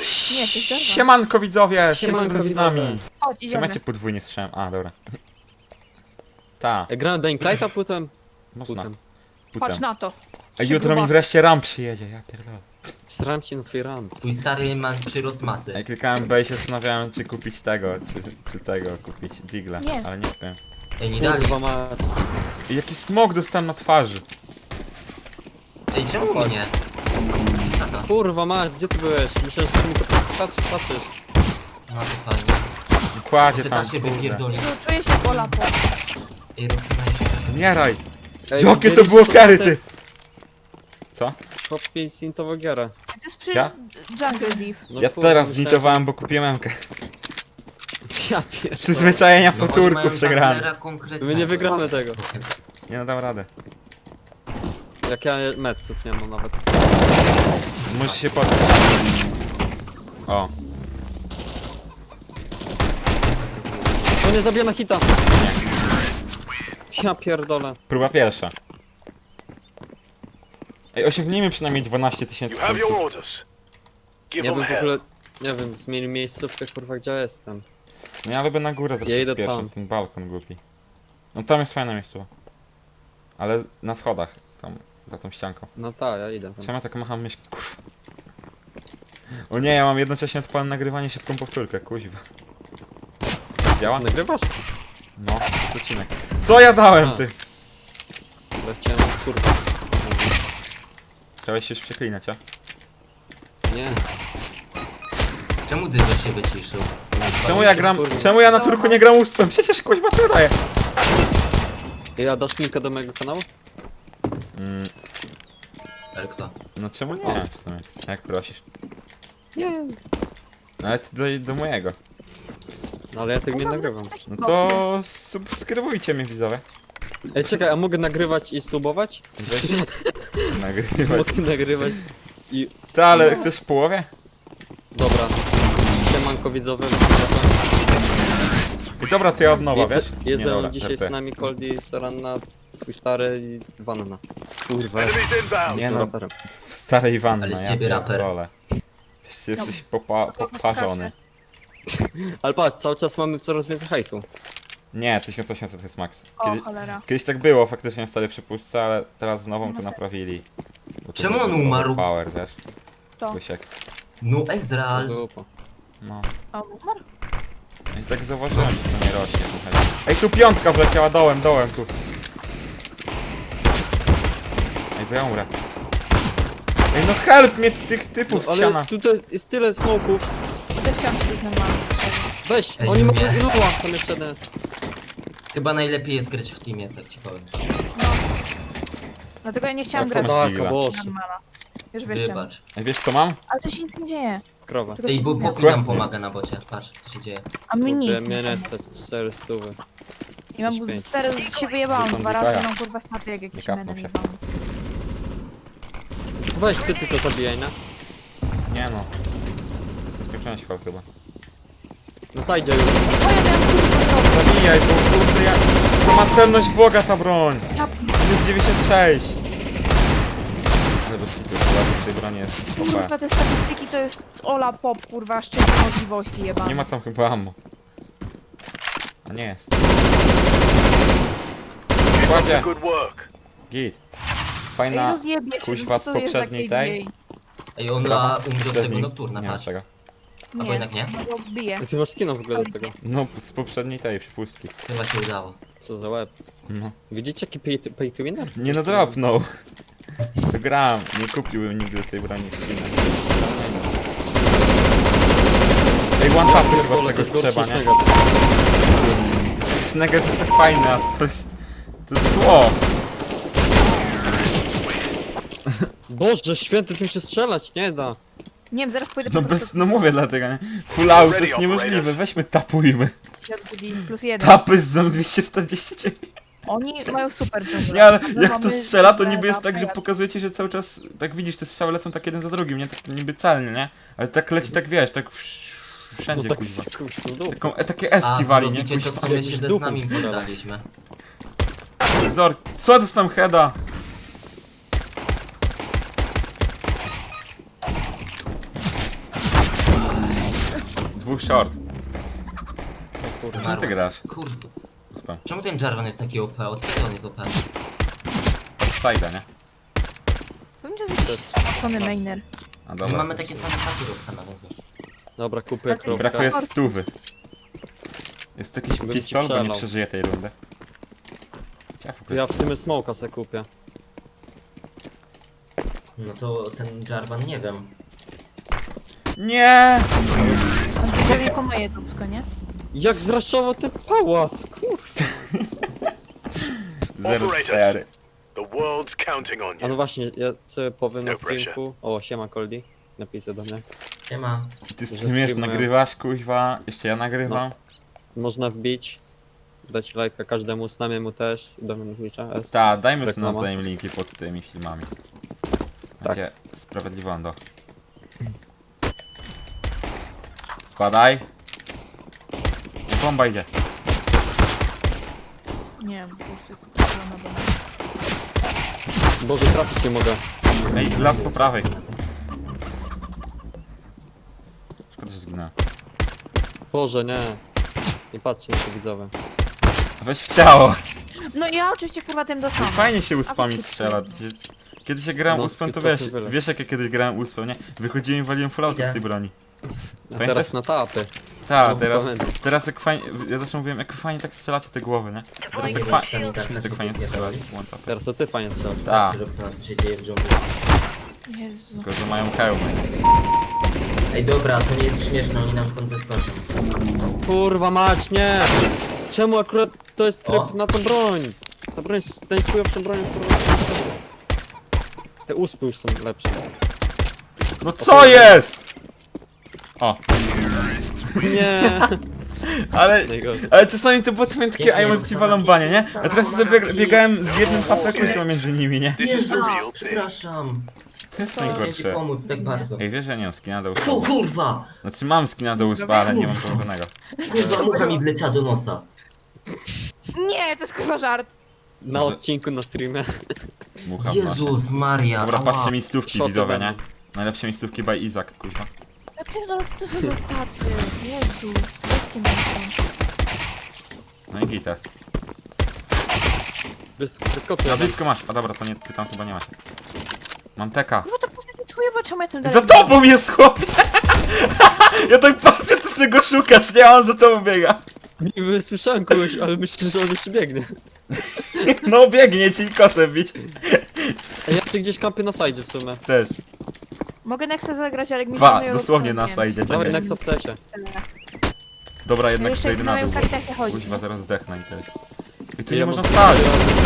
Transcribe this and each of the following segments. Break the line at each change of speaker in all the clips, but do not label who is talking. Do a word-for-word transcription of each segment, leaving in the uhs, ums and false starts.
Nie, to jest Jarvan.
Siemanko widzowie,
Siemanko
z nami.
Chodź,
Czy
idziemy.
macie podwójnie strzałem? A, dobra. Ta,
Ja grałem Dying Lighta, potem...
można.
Potem.
Patrz
Potem.
na to.
Ej,
Trzy
jutro mi
grubasy.
wreszcie RAM przyjedzie, ja pierdolę.
Staram się na twój ram.
Twój stary ma przyrost masy.
Ej, klikałem B i się zastanawiałem, czy kupić tego, czy, czy tego kupić, Digla,
Nie.
ale nie wiem.
Ej, nie dali.
Kurwa ma...
I jaki smog dostałem na twarzy.
Ej, czemu mi nie? Tata.
Kurwa ma, gdzie ty byłeś? Myślałem, że ty mi to patrzysz, patrzysz.
No to fajnie.
Kładzie
Jeszcze
tam,
da się
kurde.
wypierdolić.
Tu czuję się pola po.
Ej, rozsunaj się.
Umieraj!
Ej,
Jakie to
widzieliście
było kary,
te-
ty! Co?
Chłopie zintowo giera.
To jest przecież
Ja?
Jungle Thief.
No
Ja
kurwa,
teraz
myślałem,
zlitowałem, bo kupiłem M-kę.
że- Ja pierdolę.
Przyzwyczajenia
No,
po
oni mają
turku przegrane.
partnera konkretnego.
My nie wygramy tego.
Nie no, dam radę.
Jak ja meców nie mam nawet.
Musisz się podnieść. O,
To nie zabija na hita! Ja pierdolę.
próba pierwsza. Ej, osiągnijmy przynajmniej dwanaście tysięcy
You have your
punktów.
orders. Give
Ja
them
bym w
hell.
ogóle... Nie wiem, zmienił miejscówkę kurwa gdzie ja jestem.
No ja lubię na górę zawsze
Ja idę
pierwszą,
tam.
ten balkon głupi. No tam jest fajne miejsce. Ale na schodach, tam, za tą ścianką.
No tak, ja idę tam.
Czemu ja tak macham myśl, kurwa. O nie, ja mam jednocześnie odpalone nagrywanie, szybką powtórkę, kuźwa. Działa?
Nagrywasz?
No, to jest odcinek. Co ja dałem,
A.
ty?
Ja chciałem kurwa.
Chciałeś się już przeklinać, a?
Nie.
Czemu ty się wyciszył?
Czemu ja gram,
kurwa.
czemu ja na turku nie gram uspem? Przecież kuźwa to daje.
Ej, a dasz linkę do mojego kanału?
Mm,
Ale kto?
no czemu nie, w sumie, jak prosisz.
Nie.
Nawet do, do mojego.
No ale ja tego nie nagrywam.
No to subskrybujcie mnie, widzowie.
Ej, czekaj, a mogę nagrywać i subować?
Nagrywać.
Mogę nagrywać i...
Ty, ale chcesz w połowie?
Dobra. Siemanko widzowie.
I dobra, to ja od nowa,
Jest,
wiesz?
jest
Nie,
ze mną
dobra,
dzisiaj
żartuję.
z nami Coldy, Saranna, twój stary i Wanna. Kurwa,
Enemies inbound.
Nie
jestem
no.
raperem.
W starej wannie,
Ale z
ja
ciebie raper.
pierdolę. Wiesz, jesteś popa poparzony.
Ale patrz, cały czas mamy coraz więcej hajsu.
Nie, tysiąc osiemset to jest max.
O,
Kiedy,
cholera.
kiedyś tak było faktycznie w starej przepustce, ale teraz z nową to
No se-
naprawili. Bo to
Czemu
był
on umarł?
Power, wiesz?
To.
Kusiek.
No Ezreal.
Dupa.
No.
O, umarł?
I tak zauważyłem, że to nie rośnie trochę. Ej, tu piątka wleciała dołem, dołem tu. Ej, bo ja umrę. Ej, no help mnie tych typów
No,
z ściana.
ale tutaj jest tyle smoków.
Te ścianki jest normalne.
Weź,
Ej,
oni
nie.
mogą iluła, tam jeszcze jeden jest.
Chyba najlepiej jest grać w teamie, tak ci powiem.
Dlatego ja nie chciałam
O,
grać.
poda-
Podarka, boże.
Normala. Już wiesz czemu.
Wybacz.
Ej, wiesz co mam?
Ale to się nic nie dzieje.
Krowa.
Tylko
Ej,
się
bo
nie
pokój
dzieje.
nam pomaga na bocie. Patrz, co się dzieje.
A mi nic.
Kurde, mnie nie stać cztery stówy.
I mam
coś pięć.
stary, się wyjebałam
Wyszłam
dwa
Mikołaja.
razy, mam kurwa staty jak jakiś
Nie kapnął
menel
się.
jebany.
Weź ty tylko zabijaj, no.
Nie no. Skończyłem świat chyba.
No zajdzie już.
Ej, bo ja miałam kurwa to.
Zabijaj, bo kurde ja... To ma cenność Boga ta broń!
Ja
Jest dziewięćdziesiąt sześć! Ale bez kitu, chyba z tej broni jest O P.
kurwa te statystyki to jest Ola Pop, kurwa, szczyt możliwości jebany.
Nie ma tam chyba ammo. A nie jest. Kładzie!
Good work.
Git.
Ej,
Fajna
rozjebie się,
kuźwa
no
z
co to jest za
poprzedniej
K D A?
tej.
Ej, on
Brawa.
ma umrze z tego
Poprzedniej-
nocturna,
Nie wiem
patrz.
czego.
Albo
Nie,
jednak nie?
no bo bije.
Ty masz skina w ogóle do tego.
No, z poprzedniej tej przypustki.
Chyba się udało.
Co za łeb.
No.
Widzicie jaki pay to, pay to winner?
Nie no dropnął. To gram. Nie kupiłbym nigdy tej broni skina. Ej, one tapy chyba z
Pierdolę, to
tego
jest gorszy
trzeba,
niż
nie?
tego.
Snagger to jest tak fajne, a to jest... To jest zło.
Boże, święty, tym się strzelać nie da.
Nie wiem, zaraz pójdę
No
po
bez,
prostu
no mówię dlatego, nie? Full out to jest niemożliwe, weźmy tapujmy.
plus jeden.
Tapy z zon dwieście czterdzieści dziewięć.
Oni mają super dżunglę.
Nie, ale
My
jak to
mamy
strzela, to
dżunglę
niby jest
na
tak, że
pajacu.
pokazujecie, że cały czas, tak widzisz, te strzały lecą tak jeden za drugim, nie? Tak niby celnie, nie? Ale tak leci, tak wiesz, tak wsz-
No
wszędzie,
tak
kuźwa.
z, kurwa, z dupy.
Taką, e, takie
A,
eski wali, nie?
widzicie to,
Kuźwa.
co my
Jakbyś
się
dupą
z nami
strzelał.
poddaliśmy.
Zor, co dostałem heada? Dwóch short.
O kurde.
Czym ty grasz?
Kurde.
Uspam.
Czemu ten Jarvan jest taki O P? Od kiedy on jest O P?
Sajda, nie?
Powiem, że jest jakiś spocony mainer.
A
My
dobra.
mamy takie same paki Roxana, więc wiesz.
Dobra, kupuję
Znaczy,
krówkę.
Brakuje stówy. Jest jakiś
Bym ci
pistol, bo nie
przelał.
przeżyje tej rundy. Ciafu,
To ja w sumie smoka se kupię.
No to ten Jarvan nie wiem.
Nie!
On sobie po moje dupsko, nie?
Jak zraszował ten pałac, kurwa.
zero cztery.
The world's counting on
A no
you.
właśnie, ja sobie powiem na
No pressure.
streamku. O, siema Coldi. Napisy do mnie.
Siema.
Ty
Że
streamujesz,
streamuję.
nagrywasz, kuźwa, jeszcze ja nagrywam.
Można wbić. Dać lajka każdemu, snamiemu też. Do mnie na Twitcha. S.
Ta, dajmy sobie
Reklama.
nawzajem linki pod tymi filmami.
Tak.
Macie sprawiedliwando. Spadaj. Nie, bomba idzie.
Nie, bo już jest spocona do mnie.
Boże, trafić nie mogę.
Ej, las po prawej. Szkoda, że zginąłem.
Boże, nie. Nie patrzcie na to widzowie.
Weź w ciało.
No ja oczywiście kurwa tym dostałam.
Fajnie się uspami
A wy-
strzela. Kiedy się grałem
No,
uspem, to
czasem
wiesz,
wyle.
wiesz jak ja kiedyś grałem uspem, nie? Wychodziłem i waliłem fallouty
Idę.
z tej broni.
A
Pamiętasz?
teraz na tapy.
Tak,
No,
teraz,
pamiętam.
teraz jak fajnie, ja zawsze mówiłem, jak fajnie tak strzelacie te głowy, nie? Teraz tak, fa tak fajnie strzelacie. one tap.
Teraz to ty fajnie strzelasz.
Tak,
Patrzcie Roxana, co się dzieje w dżungli.
Jezu.
tylko że mają hełmy.
Ej dobra, to nie jest śmieszne, oni nam stąd wyskoczą.
Kurwa mać, nie! Czemu akurat to jest tryb
O.
na tą broń? Ta broń jest najchujowszą bronią, kurwa. Te uspy już są lepsze.
No co jest?! O,
Nie!
ale,
Najgorzej.
ale czasami te boty mają takie,
Pięknie,
a ja ci walą banie, nie? A teraz sobie bieg biegałem z jednym hapsakiem między nimi, nie?
This is the
Jezus,
real thing.
przepraszam.
To jest
Chciałem ci
najgorsze.
pomóc tak bardzo.
Ej, wiesz, że ja nie mam skina do
O
uspa?
kurwa!
Znaczy mam skina do uspa, ale nie mam położonego.
Kurwa, mucha mi wleciała do nosa.
Nie, to jest kurwa żart.
Na odcinku, na streamie.
Mucha w nosie.
Jezus Maria.
Dobra,
ała.
patrzcie miejscówki
Szoty
widzowe,
będą.
nie? Najlepsze miejscówki by Izak, kurwa.
Ja pierdolę, co to są za staty? Jezu. Weźcie mnie stąd.
No i gites.
Wys wyskoczył.
Na
jeden.
blisko masz. A dobra, to nie, ty tam chyba nie masz. Mam teka.
Kurwa, to postać jest chujowa, czemu ja tym dalej
Za
biegam?
tobą jest chłopie! Ja tak patrzę, ty sobie go szukasz, nie? A on za tobą biega.
Niby słyszałem kogoś, ale myślę, że on jeszcze biegnie.
No biegnie ci kosem bić.
Ej, ja tu gdzieś kampię na sajdzie w sumie.
Też.
Mogę Nexa zagrać, ale jak mi
Dwa,
planują
dosłownie
rozkład,
na
nie
sajdzie.
wiem.
Dawaj
Czekaj.
Nexa w cesie.
Dobra,
Ja
jednak
jeszcze
przejdę
jak
na
na
dół.
moją kartę chodzi.
Kuźwa, zaraz zdechnę i tyle. I tu
Ja
nie
mam
można stać.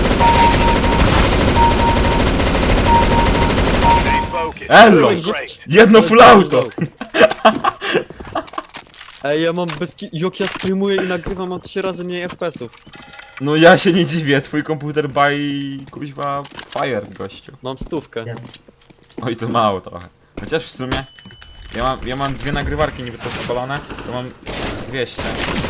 Stay focused.
Elo!
Great.
Jedno full auto!
Ej, ja mam bez ki... Jak ja streamuję i nagrywam, mam trzy razy mniej F P S ów.
No ja się nie dziwię, twój komputer by kuźwa fire, gościu.
Mam stówkę.
Ja-
Oj, to mało trochę. Chociaż w sumie ja mam, ja mam dwie nagrywarki niby to spalone, to mam dwieście.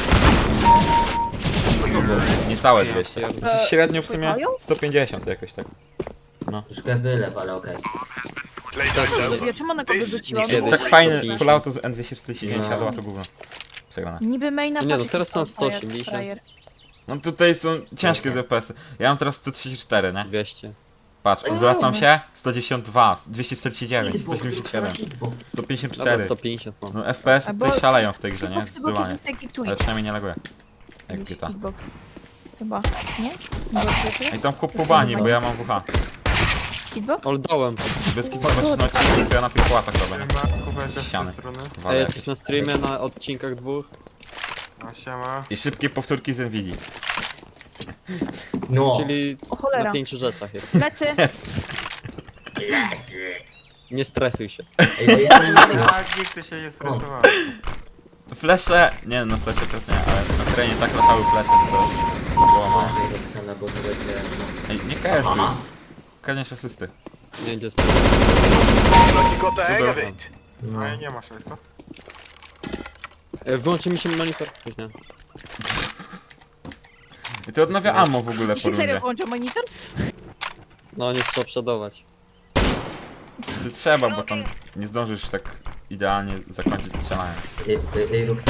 Niecałe dwieście.
Ja
Znaczy średnio w sumie sto pięćdziesiąt jakoś tak.
Troszkę wylew, ale okej.
Playtime's over.
Ja czemu ona go wyrzuciła?
Nie,
Bo-
kiedyś.
Tak fajny
sto pięćdziesiąt.
full auto z N dwieście czterdzieści dziewięć,
No.
ale to gówno. Przegrane.
Niby maina
Nie, no
patrz,
teraz są
jaki
sto
frajer,
osiemdziesiąt.
frajer.
No tutaj są ciężkie z F P S-y. Ja mam teraz sto trzydzieści cztery, nie?
dwieście.
Patrz, odwracam się, sto dziewięćdziesiąt dwa, dwieście czterdzieści dziewięć, sto osiemdziesiąt siedem, sto pięćdziesiąt
Dobra,
cztery.
sto pięćdziesiąt mam.
No F P S-y
Albo-
tutaj szaleją w tej grze, nie?
Kickbox, tylko
Zdecydowanie.
kickbox, taki tweet.
Ale przynajmniej nie laguje. Jak
Jakiś
Gita.
kickbox. Chyba. Nie? Kickbox,
Ej, tam chłop po bani, bo ja mam W H.
Kickbox?
Ale dałem.
Bez kitu zobaczyć na odcinku, co ja na tych płatach robię, nie? Ściany. Walę
Ej,
jakieś.
jesteś na streamie na odcinkach dwóch.
No siema.
I szybkie powtórki z Nvidia.
No.
Czyli
O
na
cholera.
pięciu rzeczach jest.
Plecy.
Nie stresuj się.
Ej, bo ja nie mogę.
Tak, nigdy się nie stresowałem.
Flesze, nie no flesze też nie, ale na terenie tak latały flesze, że to to było mało.
Uważaj, Roxana, bo to będzie...
Ej, nie kasuj. Kaniesz asysty.
Nie będzie
Looks like you got the hang of it.
No.
No i nie masz, co?
E, Wyłączy mi się monitor. Coś nie.
I to odnawia ammo w ogóle po
Ci serio
rundzie.
włączył monitor?
No nie trzeba przodować.
Czy trzeba, bo tam nie zdążysz tak idealnie zakończyć strzelanie.
Ej, ej, ej, Roxy.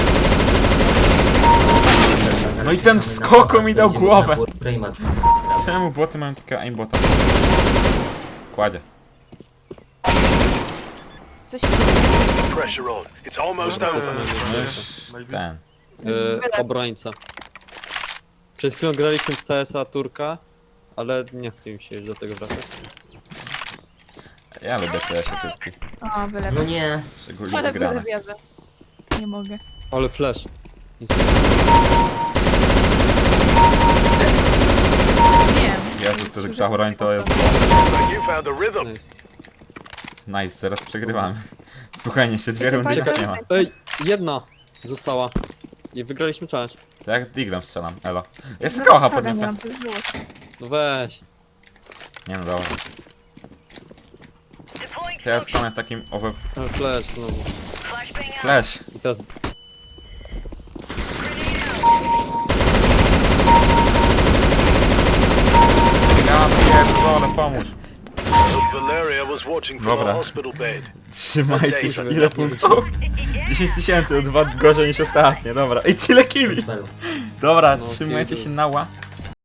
No i ten w skoku mi dał głowę.
Brainmat.
Czemu boty mają takiego aimbota? Kładzie.
Coś
Pressure on. It's almost
Dobra, to
over.
jest
No
najlepsze.
już
Maybe.
ten.
Yy, obrońca. Przed chwilą graliśmy w C S a Turka, ale nie chcę mi się już do tego wracać.
Ja lubię te się turki.
A, wylewam.
No nie.
Szczególnie
Ale
wygrane.
wylewierzę. Nie mogę.
Ale flash. Nic.
Nie.
Jezu, to ta broń to jest...
You found a rhythm.
Nice.
Nice, zaraz przegrywamy. Spokojnie, jeszcze dwie rundy
Czekaj,
już nie ma.
Ej, jedna została. I wygraliśmy czas.
To jak diglem strzelam, elo. Jest kocha
Nie
podniosę.
mam też złość.
No weź.
Nie no dobra. To ja stanę w takim over...
Ale flash znowu.
Flash.
I teraz
Ja pierdolę, pomóż.
Valeria was watching from
Dobra.
a hospital bed.
Trzymajcie się, ile punktów? dziesięć tysięcy, o dwa gorzej niż ostatnie, dobra. I tyle killi. Dobra,
No,
trzymajcie
killi.
się na ła.